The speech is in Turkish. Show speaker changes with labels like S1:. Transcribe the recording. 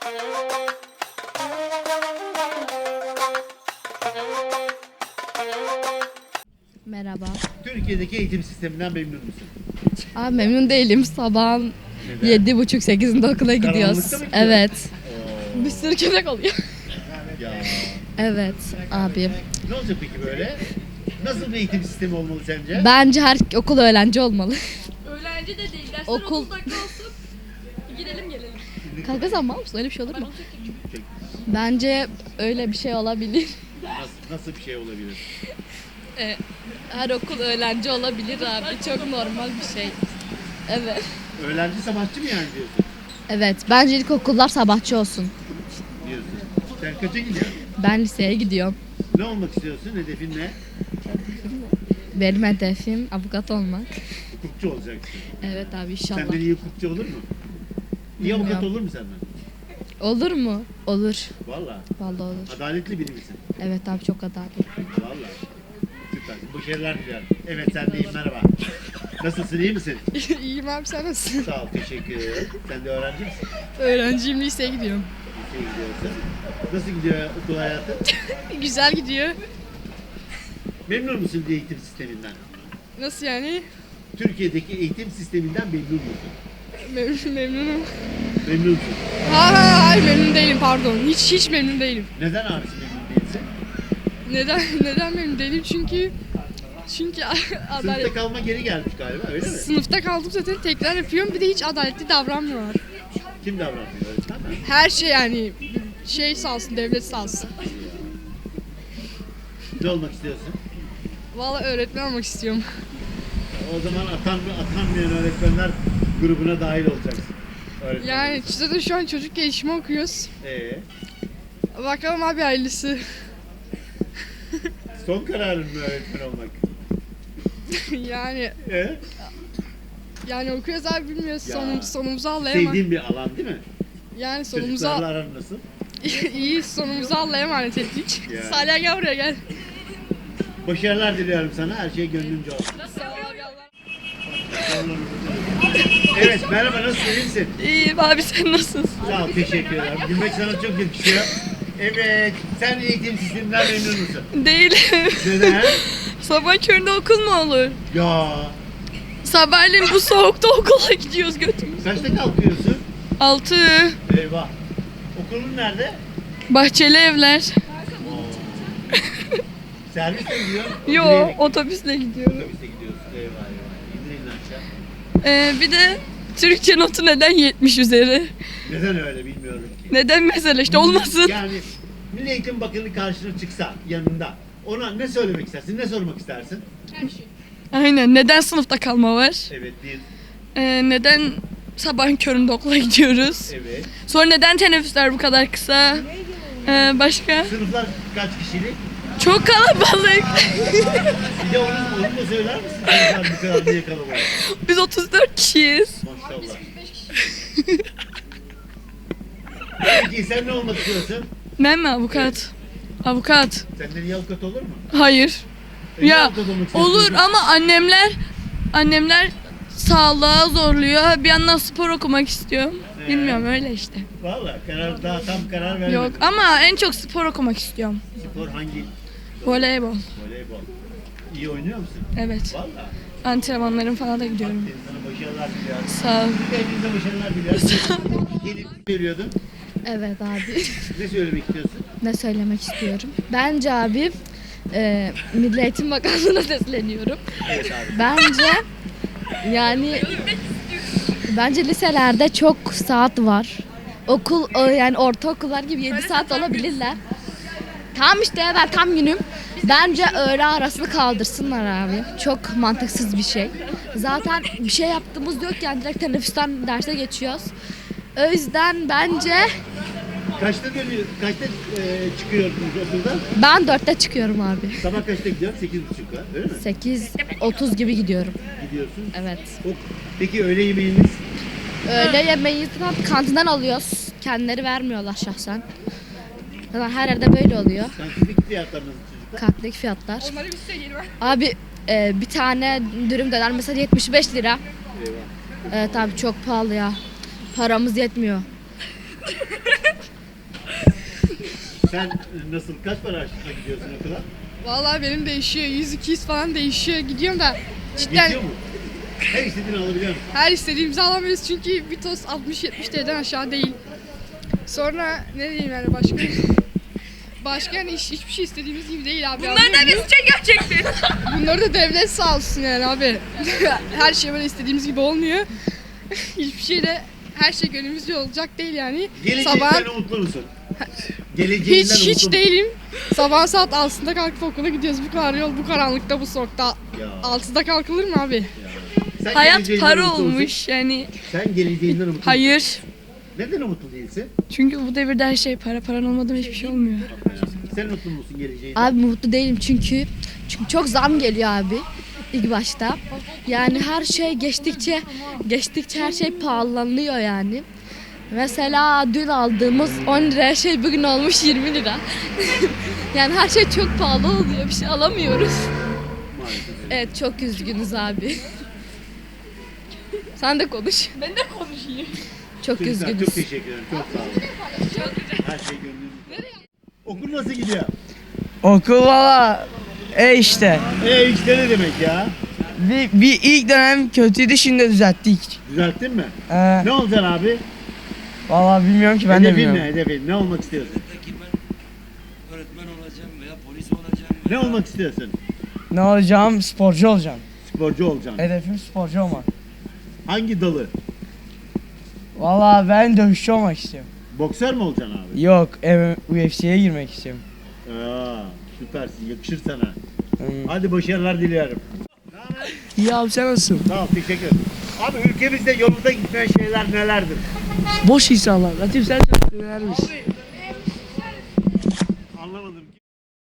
S1: Merhaba.
S2: Türkiye'deki eğitim sisteminden memnun musun?
S1: Abi memnun değilim. Sabahın 7.30-8'inde okula gidiyoruz.
S2: Karanlıkta mı gidiyor?
S1: Evet. Bir sürü köpek oluyor.
S2: Ya
S1: Evet abi.
S2: ne olacak peki böyle? Nasıl bir eğitim sistemi olmalı sence?
S1: Bence her okul öğrenci olmalı.
S3: Öğrenci de değil. Dersler
S1: Okul-
S3: okulda kalsın. Gidelim gelelim.
S1: Kanka sen mal mısın? Öyle bir şey olur mu? Bence öyle bir şey olabilir.
S2: Nasıl bir şey olabilir?
S1: Her okul öğrenci olabilir abi. Çok normal bir şey. Evet.
S2: Öğrenci sabahçı mı yani diyorsun?
S1: Evet. Bence ilk okullar sabahçı olsun.
S2: Diyorsun. Sen kaça gidiyorsun?
S1: Ben liseye gidiyorum.
S2: Ne olmak istiyorsun? Hedefin ne?
S1: Benim hedefim avukat olmak.
S2: Hukukçu olacaksın.
S1: Evet abi inşallah.
S2: Senden iyi hukukçu olur mu? İyi avukat
S1: Bilmiyorum.
S2: olur mu senden?
S1: Olur mu? Olur.
S2: Valla.
S1: Vallahi olur.
S2: Adaletli biri misin?
S1: Evet abi çok adaletli.
S2: Valla. Süper. Başarılar dilerim. Evet sen deyim merhaba. Nasılsın iyi misin?
S3: İyiyim abi, sen nasılsın?
S2: Sağ ol teşekkür ederim. Sen de öğrenci misin?
S3: Öğrenciyim, liseye gidiyorum.
S2: Liseye gidiyorsun. Nasıl gidiyor okul hayatı?
S3: Güzel gidiyor.
S2: Memnun musun eğitim sisteminden?
S3: Nasıl yani?
S2: Türkiye'deki eğitim sisteminden memnun musun?
S3: Memnunum.
S2: Memnunsun.
S3: Hayır memnun değilim, pardon. Hiç memnun değilim.
S2: Neden abisi memnun değilsin?
S3: Neden memnun değilim? Çünkü adalet...
S2: Sınıfta kalma geri gelmiş galiba öyle mi?
S3: Sınıfta kaldım zaten, tekrar yapıyorum. Bir de hiç adaletli davranmıyorlar.
S2: Kim davranıyor öğretmen mi?
S3: Her şey yani sağ olsun, devlet sağ olsun.
S2: Ne olmak istiyorsun?
S3: Vallahi öğretmen olmak istiyorum.
S2: O zaman atanmayan öğretmenler grubuna dahil olacaksın. Öğretmen
S3: Yani
S2: olacaksın.
S3: zaten şu an çocuk gelişimi okuyoruz. Bakalım abi, hayırlısı.
S2: Son kararın mı öğretmen olmak?
S3: yani
S2: Ee?
S3: yani okuyoruz abi, bilmiyoruz.
S2: Ya.
S3: Sonumuzu Allah'a
S2: Sevdiğin bir alan değil mi?
S3: Yani
S2: Çocuklarla aran nasıl?
S3: iyi, sonumuzu Allah'a emanet ettik.
S2: Ya.
S3: Salih gel buraya gel.
S2: Başarılar diliyorum sana. Her şey gönlünce olsun.
S3: Sağ ol abi, Allah.
S2: Evet merhaba nasılsın? İyi misin?
S3: İyiyim abi, sen nasılsın?
S2: Sağ ol teşekkür ederim. Gülmek sana çok yakışıyor. Evet sen eğitim sisteminden memnun musun?
S3: Değilim.
S2: Neden?
S3: Sabah köründe okul mu olur?
S2: Ya
S3: Sabahleyin bu soğukta okula gidiyoruz götümüz.
S2: kaçta kalkıyorsun?
S3: 6.
S2: Eyvah. Okulun nerede?
S3: Bahçeli evler.
S2: Servisle mi gidiyor?
S3: Yo,
S2: Yürüyerek.
S3: otobüsle gidiyorum.
S2: Otobüste gidiyorsun. Eyvah eyvah. İndirin aşağı.
S3: Bir de Türkçe notu neden 70 üzeri?
S2: Neden öyle bilmiyorum ki.
S3: Neden mesela, işte olmasın.
S2: Yani Milli Eğitim Bakanı karşına çıksa yanında ona ne söylemek istersin? Ne sormak istersin?
S3: Aynen, neden sınıfta kalma var?
S2: Evet bir.
S3: Neden sabahın köründe okula gidiyoruz?
S2: Evet.
S3: Sonra neden teneffüsler bu kadar kısa? Başka?
S2: Sınıflar kaç kişilik?
S3: Çok kalabalık.
S2: Bir de onu da söyler misin? Sınıflar bu kadar niye kalabalık?
S3: Biz 34 kişiyiz.
S2: Maşallah. Peki sen ne olmak istiyorsun?
S3: Ben mi avukat? Avukat.
S2: Senden iyi avukat olur mu?
S3: Hayır.
S2: Niye
S3: Ya
S2: avukat olmak istiyorsun?
S3: olur ama annemler sağlığa zorluyor. Bir yandan spor okumak istiyorum. Bilmiyorum, öyle işte.
S2: Valla daha tam karar vermedim.
S3: Yok ama en çok spor okumak istiyorum.
S2: Spor hangi?
S3: Voleybol.
S2: Voleybol. İyi oynuyor musun?
S3: Evet.
S2: Valla.
S3: Antrenmanlarım falan da gidiyorum.
S2: Sana başarılar diliyorum.
S3: Sağ ol.
S2: Hepinize başarılar diliyorum. Gelip söylüyordun.
S1: Evet abi.
S2: Ne söylemek istiyorsun?
S1: Ne söylemek istiyorum? Bence abi Milli Eğitim Bakanlığı'na sesleniyorum.
S2: Evet abi.
S1: Bence yani liselerde çok saat var. Yani ortaokullar gibi 7 saat olabilirler. Tam işte ben tam günüm. Bence öğle arasını kaldırsınlar abi. Çok mantıksız bir şey. Zaten bir şey yaptığımız yok yani, direkt teneffüsten derse geçiyoruz. O yüzden bence
S2: Kaçta dönüyor? Kaçta çıkıyorsunuz okuldan?
S1: ben 4'te çıkıyorum abi.
S2: Sabah kaçta gidiyorsun? 8.30'da öyle mi?
S1: 8:30 gibi gidiyorum.
S2: Gidiyorsun.
S1: Evet.
S2: Peki öğle yemeğiniz?
S1: Öğle yemeği kantinden alıyoruz. Kendileri vermiyorlar şahsen. Zaten her yerde böyle oluyor.
S2: Kantinlik fiyatlarınız çocuklar?
S1: Kantinlik fiyatlar. Abi bir tane dürüm döner mesela 75 lira.
S2: Eyvah.
S1: Evet abi çok pahalı ya. Paramız yetmiyor.
S2: Sen nasıl, kaç para harçlıkla gidiyorsun okula?
S4: Vallahi benim değişiyor. 100-200 falan değişiyor. Gidiyorum da cidden
S2: Yetiyor mu? Her istediğini alabiliyor musun?
S4: her istediğimizi alamıyoruz çünkü bir tost 60-70 TL'den aşağı değil. Sonra ne diyeyim yani başka? Başka yani hiçbir şey istediğimiz gibi değil abi.
S3: Bunları da biz çekiyor çekti.
S4: Bunları da devlet sağ olsun yani abi. Her şey böyle istediğimiz gibi olmuyor. Hiçbir şey de her şey gönlümüzce olacak değil yani.
S2: Geleceğinden umutlu musun? Geleceğinden umutlu
S4: Hiç
S2: musun?
S4: değilim. Sabah saat 6'da kalkıp okula gidiyoruz. Bu kadar yol, bu karanlıkta, bu soğukta.
S2: Ya.
S4: 6'da kalkılır mı abi?
S2: Sen
S3: Hayat
S2: geleceğinden
S3: para
S2: umutlu musun?
S3: olmuş yani.
S2: Sen geleceğinden umutlu musun?
S3: Hayır.
S2: Neden umutlu değilsin?
S3: Çünkü bu devirde her şey para. Paran olmadan hiçbir şey olmuyor.
S2: Sen mutlu musun geleceğinden?
S1: Abi mutlu değilim çünkü çok zam geliyor abi ilk başta. Yani her şey geçtikçe her şey pahalanıyor yani. Mesela dün aldığımız 10 liraya şey bugün olmuş 20 lira. Yani her şey çok pahalı oluyor. Bir şey alamıyoruz.
S2: Maalesef.
S1: Evet çok üzgünüz abi. Sen de konuş.
S3: Ben de konuşayım.
S1: Çok
S2: Çocuklar,
S1: üzgünüz.
S2: çok teşekkür ederim. Çok sağ olun. Her şey gönlünüzde. Okul nasıl gidiyor?
S5: Okul valla işte.
S2: İşte ne demek ya?
S5: Bir ilk dönem kötüydü, şimdi düzelttik.
S2: Düzelttin mi?
S5: Ee,
S2: Ne olacaksın abi?
S5: Valla bilmiyorum ki, ben de
S2: Hedefin
S5: bilmiyorum.
S2: ne? Hedefin. Ne olmak istiyorsun?
S6: Mesleki ben öğretmen olacağım veya polis olacağım.
S2: Ne olmak istiyorsun?
S5: Ne olacağım? Sporcu olacağım.
S2: Sporcu olacaksın.
S5: Hedefim sporcu olmak.
S2: Hangi dalı?
S5: Valla ben dövüşçü olmak istiyorum.
S2: Boksör mü olacaksın abi?
S5: Yok, UFC'ye girmek istiyorum.
S2: Süpersin. Yakışır sana.
S5: Hmm.
S2: Hadi başarılar diliyorum.
S5: İyi abi, sen nasılsın?
S2: Sağ ol. Teşekkür ederim. Abi ülkemizde yolunda gitmeyen şeyler nelerdir?
S5: Boş insanlar. Latif sen söylermiş.
S2: Anlamadım ki.